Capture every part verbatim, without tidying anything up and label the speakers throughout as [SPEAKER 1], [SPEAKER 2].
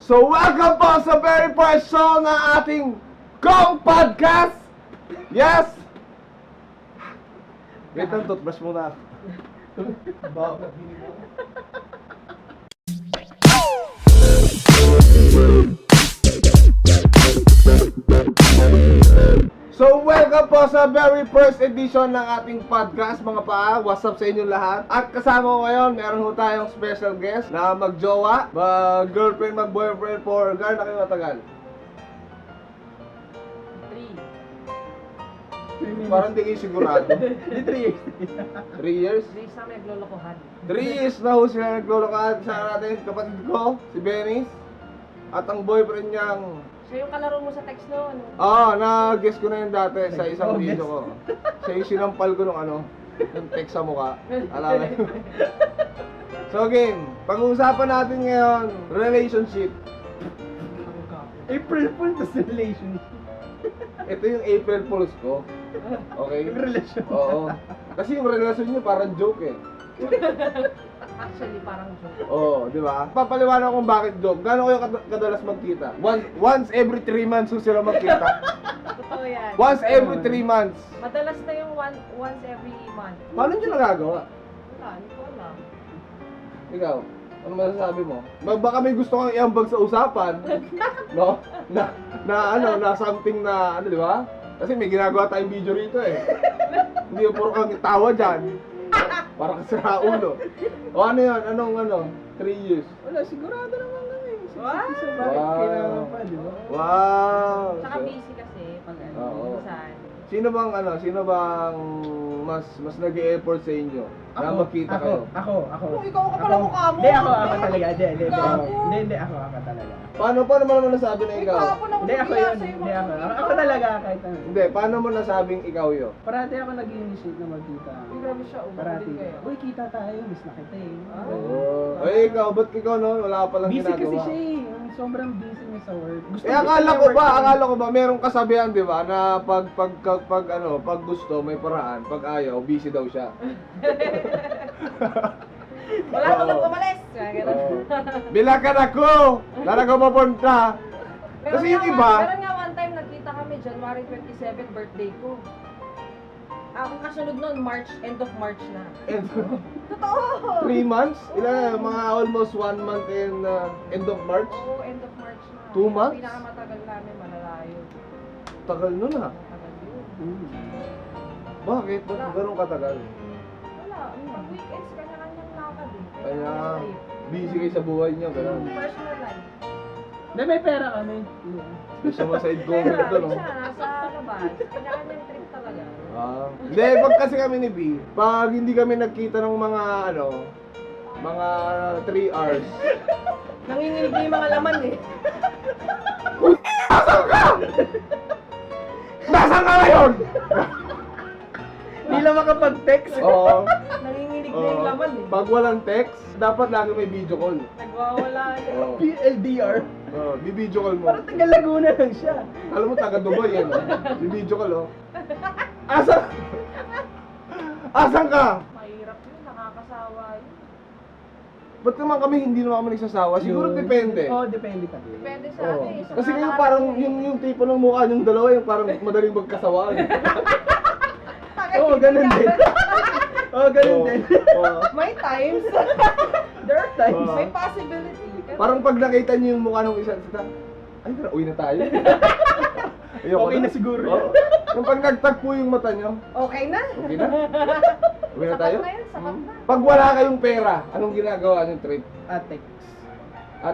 [SPEAKER 1] So welcome po sa very first show ng ating Gong Podcast! Yes! Wait lang, toothbrush muna. So welcome po sa very first edition ng ating podcast mga paa. What's up sa inyo lahat? At kasama ko ngayon, meron ho tayong special guest na magjowa, mag-girlfriend, mag-boyfriend for gaano na kayo matagal?
[SPEAKER 2] Three.
[SPEAKER 1] Parang di kayo sigurado.
[SPEAKER 2] Di three years.
[SPEAKER 1] Three years?
[SPEAKER 3] Hindi sa naglolokohan.
[SPEAKER 1] Three years na ho sila naglolokohan sa natin kapatid ko, si Benis. At ang boyfriend niyang...
[SPEAKER 3] Siya yung kalaro mo sa text no? Ano?
[SPEAKER 1] Oo, oh, na-guess ko na yun dati sa isang
[SPEAKER 2] Oh,
[SPEAKER 1] video
[SPEAKER 2] guess.
[SPEAKER 1] ko. Siya yung sinampal ko nung ano, yung text sa mukha. Alam mo. So game, pag-uusapan natin ngayon, relationship.
[SPEAKER 2] April Fool to relationship.
[SPEAKER 1] Ito yung April Fools ko. Okay?
[SPEAKER 2] Yung relasyon.
[SPEAKER 1] Oo. Kasi yung relasyon niyo parang joke eh.
[SPEAKER 3] Actually, parang joke.
[SPEAKER 1] Oo, di ba? Papaliwanag kung bakit joke. Gano'n kayo kad- kadalas magkita? Once, once every three months so sila magkita.
[SPEAKER 3] Totoo yan.
[SPEAKER 1] Once every three months.
[SPEAKER 3] Madalas na yung one, once every month.
[SPEAKER 1] Paano nyo nagagawa?
[SPEAKER 3] Wala, hindi ko alam.
[SPEAKER 1] Ikaw, ano masasabi mo? Ba- Baka may gusto kang iambag sa usapan. No? Na, na ano, na something na, ano di ba? Kasi may ginagawa tayong video rito eh. Hindi yung puro kang tawa dyan. Parang sira ulo. O ano yun? Anong ano? Three years.
[SPEAKER 2] Wala, sigurado naman kami.
[SPEAKER 3] Wow!
[SPEAKER 2] Sa bakit
[SPEAKER 1] Wow.
[SPEAKER 2] kailangan pa, di ba?
[SPEAKER 1] Wow!
[SPEAKER 3] Tsaka
[SPEAKER 1] So,
[SPEAKER 3] busy kasi pag ano,
[SPEAKER 1] Oo.
[SPEAKER 3] minsan.
[SPEAKER 1] sino bang ano? Sino bang mas mas nag-e-effort sa inyo na magkita
[SPEAKER 2] ako,
[SPEAKER 1] kayo?
[SPEAKER 2] Ako, ako.
[SPEAKER 3] Oh, ikaw ka pala mukha mo.
[SPEAKER 2] Hindi, ako, ako talaga. Hindi, hindi, hindi.
[SPEAKER 3] Gago.
[SPEAKER 2] Hindi, hindi, ako, ako talaga.
[SPEAKER 1] Paano paano mo naman nasabi na ikaw?
[SPEAKER 3] Ikaw ako na
[SPEAKER 2] Hindi, ako yun. Hindi, ako. Ako, ako talaga, kahit ano.
[SPEAKER 1] Hindi, paano mo nasabing ikaw yun?
[SPEAKER 2] Parati ako nag-initiate na magkita.
[SPEAKER 3] Ay, grabe siya. Oh,
[SPEAKER 2] Parati.
[SPEAKER 3] kayo.
[SPEAKER 2] Uy, kita tayo. Miss na kita eh.
[SPEAKER 3] Ah.
[SPEAKER 1] Oh, ay ikaw, ba't ikaw no? Wala pa lang
[SPEAKER 2] Busy
[SPEAKER 1] ginagawa.
[SPEAKER 2] kasi siya eh. Ang Sobrang busy niya sa work. Gusto
[SPEAKER 1] Eh akala ko ba, akala ko ba merong kasabihan, 'di ba, na pag pag pag, pag ano, pag gusto may paraan, pag ayaw busy daw siya.
[SPEAKER 3] Wala
[SPEAKER 1] Oo.
[SPEAKER 3] tulog umalis. Kaya ganun.
[SPEAKER 1] Oo. Bilakan ako. Saan ako mapunta?
[SPEAKER 3] Meron
[SPEAKER 1] Kasi yung
[SPEAKER 3] nga
[SPEAKER 1] iba,
[SPEAKER 3] one- Meron nga one time nagkita kami, January twenty-seventh, birthday ko. Ang kasunod nun, March, end of March na.
[SPEAKER 1] and
[SPEAKER 3] Totoo!
[SPEAKER 1] three months? Ilan mga almost one month in uh, end of March?
[SPEAKER 3] Oo, end of March na.
[SPEAKER 1] Two
[SPEAKER 3] Yung
[SPEAKER 1] months?
[SPEAKER 3] Pinakamatagal namin, malalayo.
[SPEAKER 1] Tagal nun ah.
[SPEAKER 3] Matagal yun.
[SPEAKER 2] Hmm.
[SPEAKER 1] Bakit? Ba't ganun katagal?
[SPEAKER 3] Wala, pag weekends, kanya-kanyang lakad eh.
[SPEAKER 1] Kaya
[SPEAKER 3] Kanya-kanyang trip.
[SPEAKER 1] busy kayo sa buhay niyo, ganun.
[SPEAKER 3] Personal life.
[SPEAKER 2] Hindi, may pera kami.
[SPEAKER 1] Gusto mo side
[SPEAKER 3] Pero,
[SPEAKER 1] comment ko, no?
[SPEAKER 3] siya, nasa labas. Kanya-kanyang trip talaga.
[SPEAKER 1] Ah. Hindi, pag kasi kami ni B, pag hindi kami nagkita ng mga ano, mga three hours.
[SPEAKER 3] Nanginginig na yung mga laman eh.
[SPEAKER 1] Nasaan ka? Nasaan ka ngayon?
[SPEAKER 2] Hindi lang makapag-text.
[SPEAKER 1] Oo.
[SPEAKER 3] Nanginginig na
[SPEAKER 1] Oo.
[SPEAKER 3] yung laman eh.
[SPEAKER 1] Pag walang text, dapat lagi may video call.
[SPEAKER 3] Nagwawala na.
[SPEAKER 1] Oo.
[SPEAKER 2] P L D R.
[SPEAKER 1] Oo, bi-video call mo.
[SPEAKER 2] Parang taga Laguna lang siya.
[SPEAKER 1] Alam mo, taga Dubai yan, oh. Bi-video call, oh. Asan? Asan ka?
[SPEAKER 3] Mahirap yun, nakakasawa yun.
[SPEAKER 1] Ba't naman kami hindi naman kami nagsasawa? Siguro
[SPEAKER 2] Yun.
[SPEAKER 1] depende.
[SPEAKER 2] Oo, depende pa din.
[SPEAKER 3] Depende sa
[SPEAKER 1] Oo.
[SPEAKER 3] ano eh. sa
[SPEAKER 1] Kasi kayo
[SPEAKER 3] mga
[SPEAKER 1] parang
[SPEAKER 3] nakarating
[SPEAKER 1] yung,
[SPEAKER 3] eh.
[SPEAKER 1] yung tipo ng mukha yung dalawa, yung parang madaling magkasawaan.
[SPEAKER 2] Oo, ganun din. Oo, ganun
[SPEAKER 1] Oo.
[SPEAKER 2] din.
[SPEAKER 1] Oo.
[SPEAKER 3] May times.
[SPEAKER 2] There are times.
[SPEAKER 1] Oo.
[SPEAKER 3] May possibility. Pero-
[SPEAKER 1] Parang pag nakita niyo yung mukha ng isa, isa ay, tara, uwi na tayo. Ayoko
[SPEAKER 2] Okay na siguro.
[SPEAKER 1] Oo. Yung pag nagtagpo yung mata niyo,
[SPEAKER 3] Okay na.
[SPEAKER 1] okay na? Uwi na
[SPEAKER 3] Sapat
[SPEAKER 1] tayo?
[SPEAKER 3] na yun, sapat
[SPEAKER 1] Hmm.
[SPEAKER 3] na.
[SPEAKER 1] Pag wala kayong pera, anong ginagawa niyo trip?
[SPEAKER 2] Ah, text.
[SPEAKER 1] At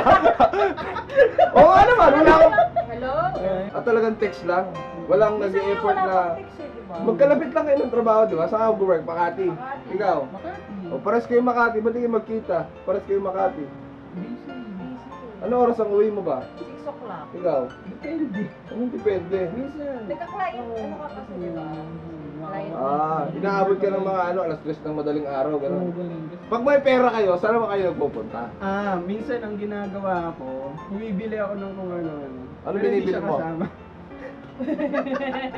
[SPEAKER 1] Oo nga naman, wala akong
[SPEAKER 3] Hello?
[SPEAKER 1] At talagang text lang. Walang
[SPEAKER 3] Minsan nga
[SPEAKER 1] nag-e-effort
[SPEAKER 3] wala
[SPEAKER 1] na
[SPEAKER 3] pang text eh, di ba?
[SPEAKER 1] magkalapit lang kayo ng trabaho, di ba? Saan ka mag-work? Makati.
[SPEAKER 3] Makati.
[SPEAKER 1] Ikaw?
[SPEAKER 2] Makati.
[SPEAKER 1] O, pares kayo Makati. Ba't hindi kayo magkita? Pares kayo Makati.
[SPEAKER 2] Busy.
[SPEAKER 3] Busy.
[SPEAKER 1] Ano oras ang uwi mo ba?
[SPEAKER 3] six o'clock.
[SPEAKER 1] Ikaw?
[SPEAKER 2] Depende.
[SPEAKER 1] Anong depende?
[SPEAKER 2] Minsan.
[SPEAKER 3] Nagka-client, ano ka kasi, di ba? Client.
[SPEAKER 1] Ah, inaabot ka ng mga ano, alas tres ng madaling araw,
[SPEAKER 2] Oo,
[SPEAKER 1] gano'n.
[SPEAKER 2] ganun.
[SPEAKER 1] Pag may pera kayo, saan naman kayo nagpupunta?
[SPEAKER 2] Ah, minsan ang ginagawa ko, bumibili ako ng kung ano.
[SPEAKER 1] Ano
[SPEAKER 2] Pero hindi
[SPEAKER 1] binibili
[SPEAKER 2] siya
[SPEAKER 1] mo?
[SPEAKER 2] kasama.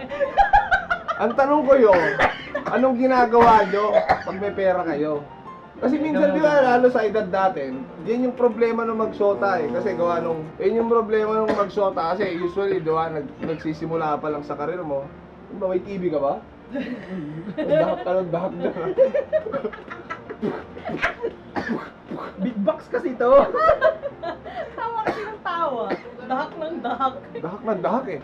[SPEAKER 1] Ang tanong ko yun, anong ginagawa nyo pag may pera kayo? Kasi minsan di ba, lalo sa edad natin, yan yung problema ng magsyota eh. Kasi gawa nung, yan yung problema ng magsyota kasi usually, di ba, nag, nagsisimula pa lang sa karir mo. Ano ba, may T V ka ba? Dahak ka ng dahak na.
[SPEAKER 2] Big box kasi to.
[SPEAKER 3] Tawa kasi ng tawa. Dahak ng dahak.
[SPEAKER 1] Dahak na dahak eh.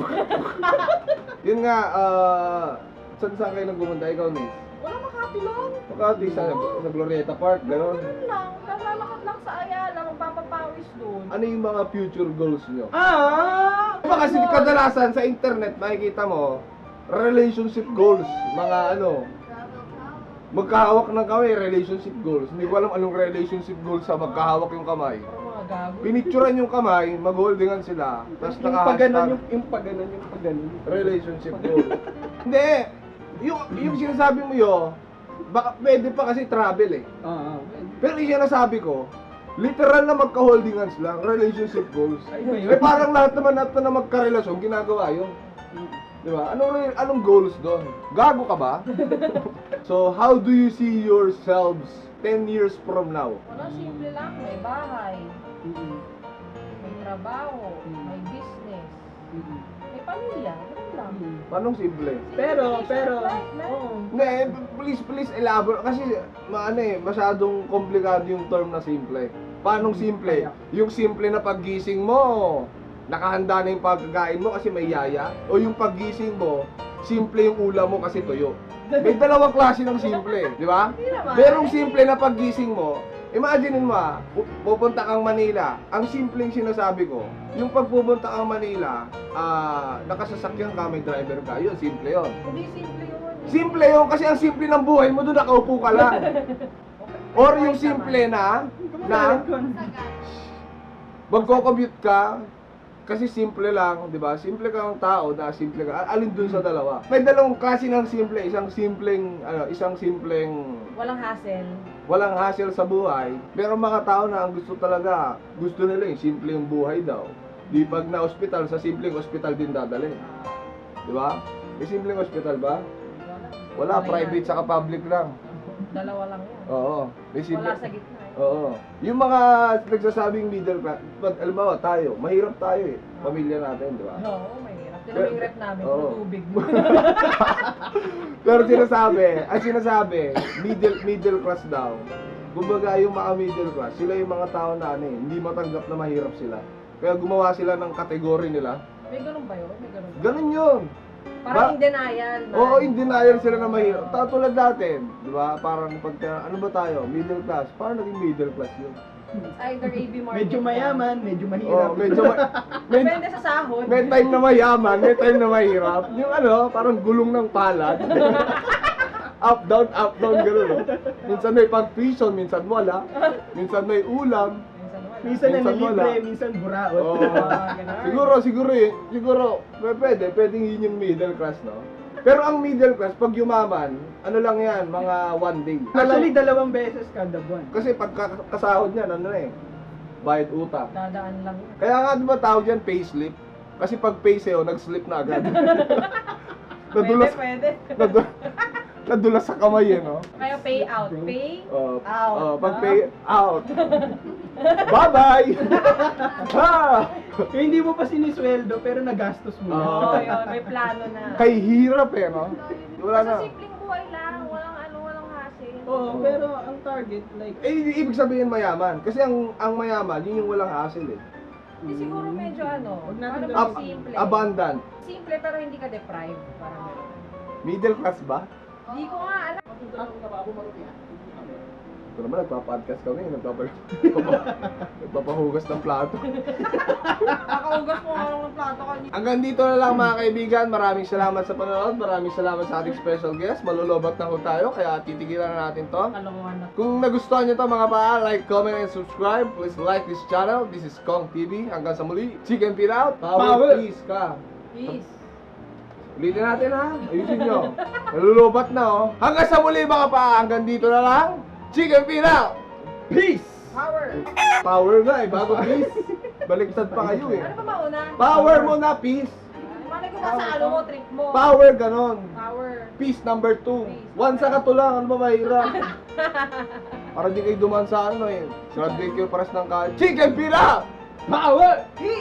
[SPEAKER 1] Yun nga, ah, saan saan kayo nagpumunta? Ikaw, Nis?
[SPEAKER 3] Wala makapilong.
[SPEAKER 1] Makati sa, sa Glorieta Park, gano'n.
[SPEAKER 3] Ano lang, nalalakad lang sa Ayala, magpapapawis doon.
[SPEAKER 1] Ano yung mga future goals nyo?
[SPEAKER 2] Ah!
[SPEAKER 1] Diba kasi kadalasan sa internet makikita mo, relationship goals, mga ano, magkahawak ng kamay, relationship goals. Hindi ko alam anong relationship goals sa magkahawak yung kamay.
[SPEAKER 3] Parang mga gago.
[SPEAKER 1] Pinicturan yung kamay, mag-holdingan sila, tapos
[SPEAKER 2] Yung paganon,
[SPEAKER 1] naka-hashtag
[SPEAKER 2] yung, yung paganon, yung paganon.
[SPEAKER 1] relationship goal. Hindi, yung, yung sinasabi mo yun, baka pwede pa kasi travel eh.
[SPEAKER 2] Oo.
[SPEAKER 1] Pero yung sinasabi ko, literal na magka-holdingans lang, relationship goals.
[SPEAKER 2] Ay ba yun?
[SPEAKER 1] Eh parang lahat naman natin na magka-relasyon, ginagawa yun. Di ba? Anong, anong goals doon? Gago ka ba? So, how do you see yourselves ten years from now?
[SPEAKER 3] Wala, simple lang. May bahay,
[SPEAKER 2] Mm-mm.
[SPEAKER 3] may trabaho, may business, may pamilya. Ganun lang.
[SPEAKER 2] Mm-mm.
[SPEAKER 1] Anong simple?
[SPEAKER 2] Pero, pero,
[SPEAKER 3] Oo.
[SPEAKER 2] oo.
[SPEAKER 1] Hindi, eh, please, please elaborate. Kasi, maano eh, masyadong komplikado yung term na simple. Paanong simple? Yung simple na paggising mo, nakahanda na yung pagkain mo kasi may yaya. O yung paggising mo, simple yung ulam mo kasi tuyo. May dalawang klase ng simple, di ba?
[SPEAKER 3] Hindi naman.
[SPEAKER 1] Merong simple na paggising mo, imaginein mo ah, pu- pupunta kang Manila, ang simpleng sinasabi ko, yung pagpupunta kang Manila, ah, nakasasakyan ka, may driver ka, yun, simple yun.
[SPEAKER 3] Hindi simple yun.
[SPEAKER 1] Simple yun kasi ang simple ng buhay mo doon, nakaupo ka lang. Or yung simple na, na, magko-commute ka, kasi simple lang, di ba? Simple kang tao na simple ka. Alin dun sa dalawa? May dalawang klase ng simple, isang simpleng, ano, isang simpleng
[SPEAKER 3] Walang hassle.
[SPEAKER 1] walang hassle sa buhay. Pero mga tao na ang gusto talaga, gusto nila yung simple yung buhay daw. Di pag na ospital, sa simpleng ospital din dadalhin. Di ba? May simpleng ospital ba? Wala,
[SPEAKER 3] Wala
[SPEAKER 1] private
[SPEAKER 3] yan.
[SPEAKER 1] saka public lang.
[SPEAKER 3] Dalawa lang yan.
[SPEAKER 1] Oo. May simple.
[SPEAKER 3] Wala sa gitna eh.
[SPEAKER 1] Oo. Yung mga nagsasabing middle class, pag alam mo, tayo, mahirap tayo eh. Pamilya natin, di ba?
[SPEAKER 3] Oo, mahirap. Pero yung rep namin,
[SPEAKER 1] Oo.
[SPEAKER 3] puro tubig.
[SPEAKER 1] Pero sinasabi, ang sinasabi, middle middle class daw. Kumbaga yung mga middle class, sila yung mga tao na ano eh, hindi matanggap na mahirap sila. Kaya gumawa sila ng kategory nila.
[SPEAKER 3] May ganun ba yun? May ganun ba?
[SPEAKER 1] Ganun yun.
[SPEAKER 3] Parang
[SPEAKER 1] Ba-
[SPEAKER 3] in denial. na-
[SPEAKER 1] Oo, in denial sila na mahirap. Ta- Tulad natin, di ba? Parang pagka, ano ba tayo? Middle class. Parang naging middle class yun.
[SPEAKER 3] Either A B market.
[SPEAKER 2] Medyo
[SPEAKER 3] ka.
[SPEAKER 2] mayaman, medyo
[SPEAKER 1] Oo,
[SPEAKER 2] mahirap.
[SPEAKER 1] medyo, ma- med-
[SPEAKER 3] Depende sa sahod.
[SPEAKER 1] may time na mayaman, may time na mahirap. Yung ano, parang gulong ng palad. Up, down, up, down, gano'n. No? Minsan may pag-tuition, minsan wala. Minsan may ulam.
[SPEAKER 3] Minsan wala.
[SPEAKER 2] Minsan na
[SPEAKER 1] Minsan
[SPEAKER 2] libre,
[SPEAKER 1] wala.
[SPEAKER 2] minsan buraot.
[SPEAKER 1] Oo.
[SPEAKER 3] Ah, ganun.
[SPEAKER 1] Siguro, siguro eh. Siguro, p- pwede. Pwedeng yun yung middle class, no? Pero ang middle class, pag yumaman, ano lang yan, mga one day.
[SPEAKER 2] Actually, dalawang beses kada buwan.
[SPEAKER 1] Kasi pag ka- kasahod niyan, ano eh, bayad utang.
[SPEAKER 3] Dadaan lang yun.
[SPEAKER 1] Kaya nga, di ba tawag yan, payslip? Kasi pag pay sa'yo, nag-slip na agad.
[SPEAKER 3] Pwede,
[SPEAKER 1] nadulas,
[SPEAKER 3] pwede.
[SPEAKER 1] nadulas, nadulas sa kamay eh, no?
[SPEAKER 3] Kaya pay out. Pay
[SPEAKER 1] Uh,
[SPEAKER 3] out.
[SPEAKER 1] uh, pag pay out. Bye-bye! ha!
[SPEAKER 2] Kaya hindi mo pa sinisweldo, pero nagastos mo.
[SPEAKER 1] Oo.
[SPEAKER 3] Oo, yun. May plano na.
[SPEAKER 1] Kay hirap eh, no? Wala na.
[SPEAKER 3] Sa simpleng buhay lang. Walang ano, walang hassle.
[SPEAKER 2] Oo, pero ang target, like,
[SPEAKER 1] Eh, i- ibig sabihin mayaman. Kasi ang ang mayaman, yun yung walang hassle eh.
[SPEAKER 3] Di siguro medyo ano.
[SPEAKER 2] Huwag natin
[SPEAKER 3] Ano
[SPEAKER 2] gawin
[SPEAKER 3] ba
[SPEAKER 1] Ab-
[SPEAKER 3] simple?
[SPEAKER 1] abundant.
[SPEAKER 3] Simple pero hindi ka deprived. Parang gano'n.
[SPEAKER 1] Middle class ba?
[SPEAKER 3] Hindi ko nga alam.
[SPEAKER 1] Ito naman, nagpa-podcast kami. Nagpapa- Nagpapahugas ng plato.
[SPEAKER 3] Nakaugas mo nga lang ng plato kanina.
[SPEAKER 1] Hanggang dito na lang mga kaibigan. Maraming salamat sa panonood. Maraming salamat sa ating special guest. Malulobat na ho tayo. Kaya titigilan na natin to.
[SPEAKER 3] Kalokohan na.
[SPEAKER 1] Kung nagustuhan nyo to mga paa, like, comment, and subscribe. Please like this channel. This is Kong T V. Hanggang sa muli. Chicken Feet out. Power,
[SPEAKER 2] Power.
[SPEAKER 1] peace ka.
[SPEAKER 3] Peace.
[SPEAKER 1] Ulitin natin ha. Ayusin nyo. Nalulubat na oh. Hanggang sa muli mga paa. Hanggang dito na lang. Chicken Feet out. Peace.
[SPEAKER 3] Power.
[SPEAKER 1] Power nga eh. Bago peace. Baliktad pa kayo eh.
[SPEAKER 3] Ano pa mauna?
[SPEAKER 1] Power mo na, peace.
[SPEAKER 3] Malay ko ba sa ano mo, trip mo?
[SPEAKER 1] Power ganon.
[SPEAKER 3] Power.
[SPEAKER 1] Peace number two.
[SPEAKER 3] Peace.
[SPEAKER 1] One sa katulang. Ano ba mahirap? Para di kayo duman sa ano eh. Graduate kayo pares ng college. Chicken pira! Power!